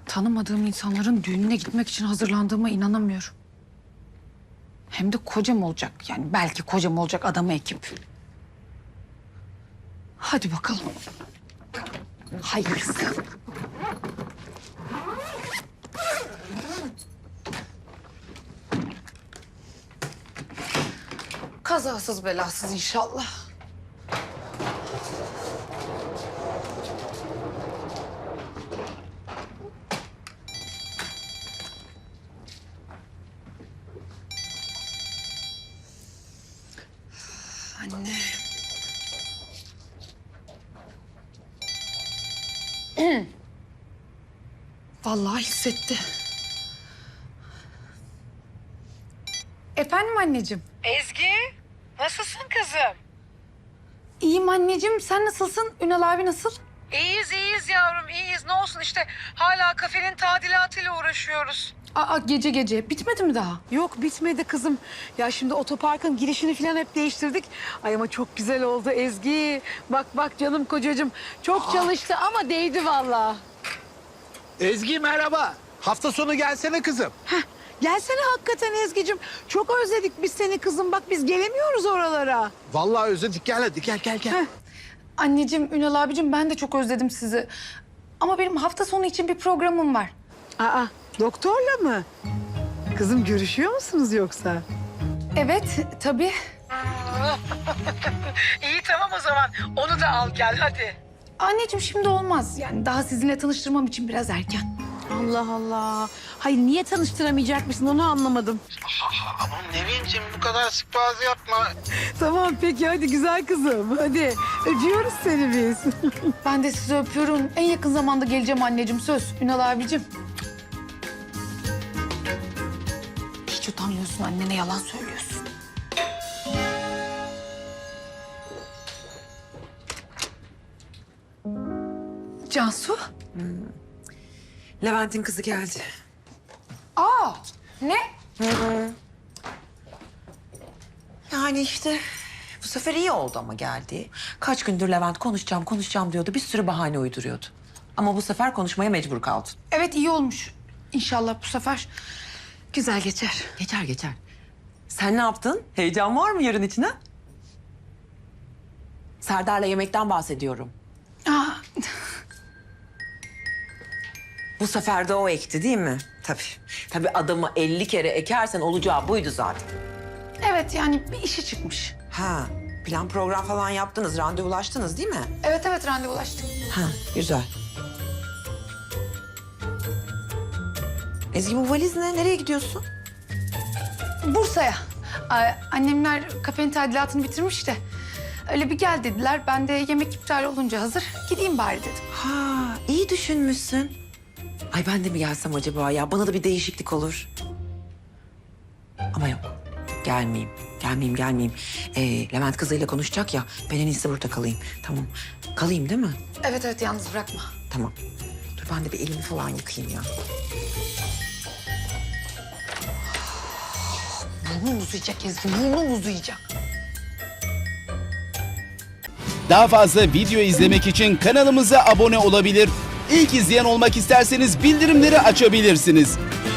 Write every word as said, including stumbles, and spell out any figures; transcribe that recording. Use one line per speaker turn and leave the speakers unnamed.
Tanımadığım insanların düğününe gitmek için hazırlandığıma inanamıyorum. Hem de kocam olacak. Yani belki kocam olacak adamı ekip. Hadi bakalım. Hayırlısı. Kazasız belasız inşallah. Anne. Vallahi hissetti. Efendim anneciğim.
Ezgi, nasılsın kızım?
İyiyim anneciğim. Sen nasılsın? Ünal abi nasıl?
İyiyiz, iyiyiz yavrum, iyiyiz. Ne olsun işte hala kafenin tadilatıyla uğraşıyoruz.
Aa, gece gece. Bitmedi mi daha?
Yok bitmedi kızım. Ya şimdi otoparkın girişini falan hep değiştirdik. Ay ama çok güzel oldu Ezgi. Bak bak canım kocacığım. Çok çalıştı ama değdi vallahi.
Ezgi merhaba. Hafta sonu gelsene kızım.
Heh, gelsene hakikaten Ezgi'cim. Çok özledik biz seni kızım. Bak biz gelemiyoruz oralara.
Vallahi özledik, gel hadi gel gel gel.
Heh.
Anneciğim, Ünal abicim ben de çok özledim sizi. Ama benim hafta sonu için bir programım var.
Aa, doktorla mı? Kızım görüşüyor musunuz yoksa?
Evet, tabii.
İyi tamam o zaman. Onu da al gel hadi.
Anneciğim şimdi olmaz. Yani daha sizinle tanıştırmam için biraz erken.
Allah Allah. Hayır niye tanıştıramayacakmışsın onu anlamadım.
Aman Nevin'cim bu kadar sık bazı yapma.
Tamam peki hadi güzel kızım. Hadi öpüyoruz seni biz.
Ben de sizi öpüyorum. En yakın zamanda geleceğim anneciğim, söz. Ünal abicim. Hiç utanmıyorsun, annene yalan söylüyorsun. Cansu?
Levent'in kızı geldi.
Aa, ne?
Yani işte bu sefer iyi oldu ama geldi. Kaç gündür Levent konuşacağım, konuşacağım diyordu. Bir sürü bahane uyduruyordu. Ama bu sefer konuşmaya mecbur kaldı.
Evet, iyi olmuş. İnşallah bu sefer güzel geçer.
Geçer geçer. Sen ne yaptın? Heyecan var mı yarın içine? Serdar'la yemekten bahsediyorum.
Aa,
Bu sefer de o ekti değil mi? Tabii. Tabii adamı elli kere ekersen olacağı buydu zaten.
evet yani bir işi çıkmış.
Ha, plan program falan yaptınız, randevulaştınız değil mi?
Evet evet randevulaştık.
Ha, güzel. Ezgi bu valiz ne? Nereye gidiyorsun?
Bursa'ya. Aa, annemler kafenin tadilatını bitirmiş de. Öyle bir gel dediler. Ben de yemek iptal olunca hazır gideyim bari dedim.
Ha, iyi düşünmüşsün. Ay ben de mi gelsem acaba ya? Bana da bir değişiklik olur. Ama yok. Gelmeyeyim. Gelmeyeyim, gelmeyeyim. Ee, Levent kızıyla konuşacak ya. Ben en iyisi burada kalayım. Tamam. Kalayım değil mi?
Evet evet yalnız bırakma.
Tamam. Dur ben de bir elimi falan yıkayayım ya.
Burnum uzayacak Ezgi, burnum uzayacak.
Daha fazla video izlemek için kanalımıza abone olabilir. İlk izleyen olmak isterseniz bildirimleri açabilirsiniz.